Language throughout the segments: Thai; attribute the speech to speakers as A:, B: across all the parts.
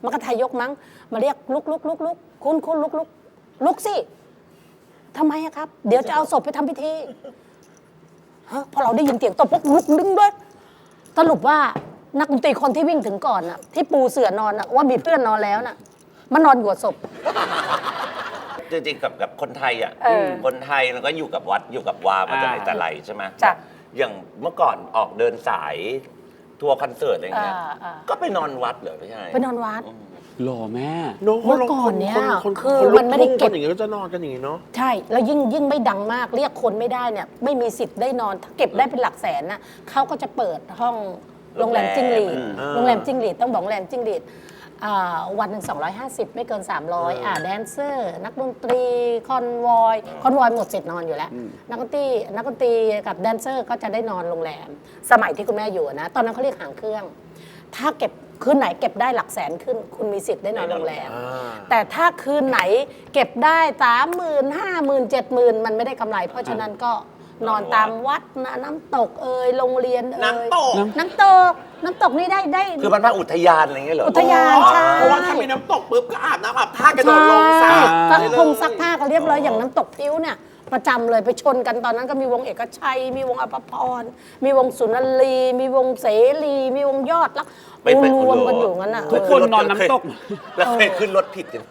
A: มกทายกมั้งมาเรียกลุกคุณลุกสิทำไมอะครับเดี๋ยวจะเอาศพไปทำพิธีฮะพอเราได้ยินเสียงตบปุ๊บลุกดึงด้วยสรุปว่านักดนตรีคนที่วิ่งถึงก่อนน่ะที่ปูเสื่อนอนน่ะว่ามีเพื่อนนอนแล้วน่ะมันนอนอยู่กับศพ
B: จริงๆกับคนไทยอ่ะคนไทยมันก็อยู่กับวัดอยู่กับวามาแต่ไหนแต่ไรใช่ไหมอย่างเมื่อก่อนออกเดินสายทัวร์คอนเสิร์ตอะไรเงี้ยก็ไปนอนวัดเหรอไม่ใช่
A: ไปนอนวัด
C: หล่อแม่
A: เมื่อก่อนเนี่ยคือมันไม่ได้เก็บ
D: อย่างนี้ก็จะนอนกันอย่างนี้เนาะ
A: ใช่แล้วยิ่งไม่ดังมากเรียกคนไม่ได้เนี่ยไม่มีสิทธิ์ได้นอนถ้าเก็บได้เป็นหลักแสนนะเขาก็จะเปิดห้องโรงแรมจิ้งหรีดโรงแรมจิ้งหรีดต้องบอกโรงแรมจิ้งหรีดวันหนึ่ง250ไม่เกิน300แดนเซอร์นักดนตรีคอนวอยหมดสิทธิ์นอนอยู่แล้วนักดนตรีกับแดนเซอร์ก็จะได้นอนโรงแรมสมัยที่คุณแม่อยู่นะตอนนั้นเขาเรียกหางเครื่องถ้าเก็บคืนไหนเก็บได้หลักแสนขึ้นคุณมีสิทธิ์ได้นอนโรงแรมแต่ถ้าคืนไหนเก็บได้30,000 50,000 70,000มันไม่ได้กำไรเพราะฉะนั้นก็นอนตามวัดน้ำตกโรงเรียน
D: น้ำต
A: กนี่ได้
B: คือมันมาอุทยานอะไรเงี้ยเหรอ
A: อุทยานใช่
D: เพราะว่าถ้ามีน้ำตกปุ๊บก็อาบน้ำอาบท่ากระโดดลงสระ
A: คงซักผ้าก็เรียบร้อยอย่างน้ำตกพิ้วเนี่ยประจำเลยไปชนกันตอนนั้นก็มีวงเอกชัยมีวงอภพรมีวงสุนันลีมีวงเสรีมีวงยอดแล้วรวมกันอยู่งั้นน่ะ
C: ทุกคนนอนน้ำตก
B: แล้วเคยขึ้นรถผิดกัน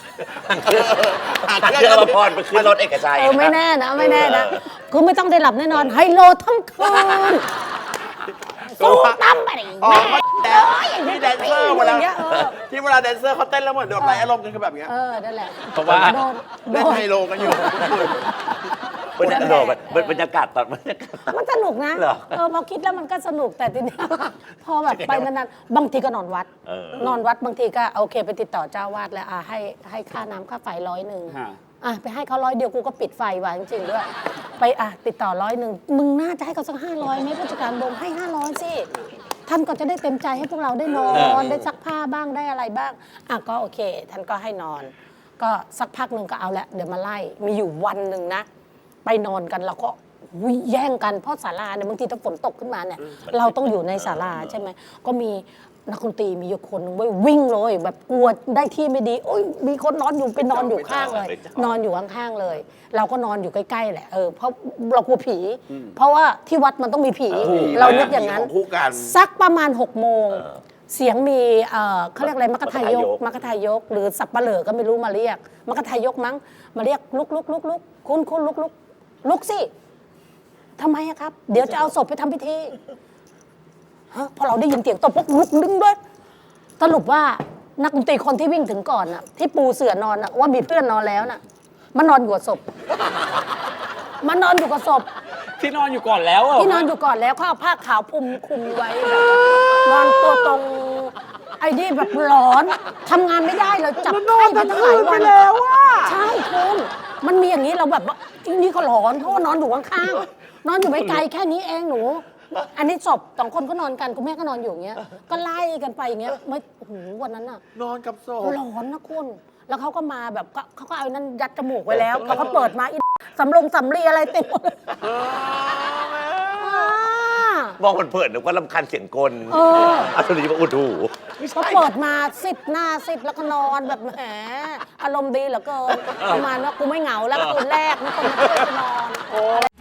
B: เชื่ออภพรไปขึ้นรถเอกชัย
A: ไม่แน่นะคือไม่ต้องได้หลับแน่นอนไฮโลทั้งคืนสู้ตั้มไปดิแม่
D: ที่แดนเซอร์เวลาที่เวลาแดนเซอร์เขาเต้นแล้วเหมือนโดนไล่อารมณ์กันคือแบบนี้
A: นั่นแหละ
C: เพราะว่า
D: เล่นไฮโลกันอยู่
B: บรรยากาศตอน
A: มันสนุกนะพอคิดแล้วมันก็สนุกแต่ทีนี้พอแบบไปนานๆบางทีก็นอนวัดบางทีก็โอเคไปติดต่อเจ้าวาดแล้วให้ค่าน้ำค่าไฟ100ไปให้เขา100เดียวกูก็ปิดไฟไว้จริงๆด้วยไปติดต่อ100มึงน่าจะให้เขาสัก500ไหมผู้จัดการบงให้500สิท่านก็จะได้เต็มใจให้พวกเราได้นอนได้ซักผ้าบ้างได้อะไรบ้างก็โอเคท่านก็ให้นอนก็สักพักหนึ่งก็เอาละเดี๋ยวมาไล่มีอยู่วันหนึ่งนะไปนอนกันเราก็แย่งกันเพราะศาลาเนี่ยบางทีถ้าฝนตกขึ้นมาเนี่ยเราต้องอยู่ในศาลาใช่ไหมก็มีนักดนตรีมีอยู่คนนึงวิ่งเลยแบบกลัวได้ที่ไม่ดีโอ้ยมีคนนอนอยู่ไปนอนอยู่ข้างเลยนอนอยู่ข้างๆเลยเราก็นอนอยู่ใกล้ๆแหละเพราะเรากลัวผีเพราะว่าที่วัดมันต้องมีผีเรานึกอย่างนั้นสักประมาณ6 โมงเสียงมีเขาเรียกอะไรมกทายกหรือสับปะเหร่อก็ไม่รู้มาเรียกมกทายกมั้งมาเรียกลุกคุณลุกสิทำไมอะครับเดี๋ยวจะเอาศพไปทำพิธีฮะพอเราได้ยินเสียงตบปุ๊บลุกดึงด้วยสรุปว่านักดนตรีคนที่วิ่งถึงก่อนน่ะที่ปูเสื่อนอนน่ะว่ามีเพื่อนนอนแล้วน่ะมันนอนอยู่กับศพมันนอนอยู่กับศพ
C: ที่นอนอยู่ก่อนแล้ว
A: ที่นอนอยู่ก่อนแล้วเขาเอาผ้าขาวคุมไว้แบบนอนตัวตรงไอ้นี่แบบร้อนทำงานไม่ได้เลยจับไข้ไปตั้งหลายวัน
D: แล้ว
A: ใช่คุณมันมีอย่างนี้เราแบบว่านี่ก็ร้อนเพราะว่านอนอยู่ข้างๆนอนอยู่ไม่ไกลแค่นี้เองหนูอันนี้ศพ2 คนก็นอนกันคุณแม่ก็นอนอยู่อย่างเงี้ยก็ไล่กันไปอย่างเงี้ยไม่โอ้โหวันนั้นน่ะ
D: นอนกับศพ
A: ร้อนนะคุณแล้วเขาก็มาแบบเขาก็เอานั่นยัดจมูกไว้แล้วเขาก็เปิดมาสำลีอะไรเต็มหมด
B: มองเผินๆนึกว่าลำคาญเสียงกลอัศนีมาอุดหู
A: เขาเปิดมาหน้าแล้วก็นอนแบบแหมอารมณ์ดีเหลือเกินประมาณว่ากูไม่เหงาแล้วคืนแรกมีคนมาช่วยกูนอน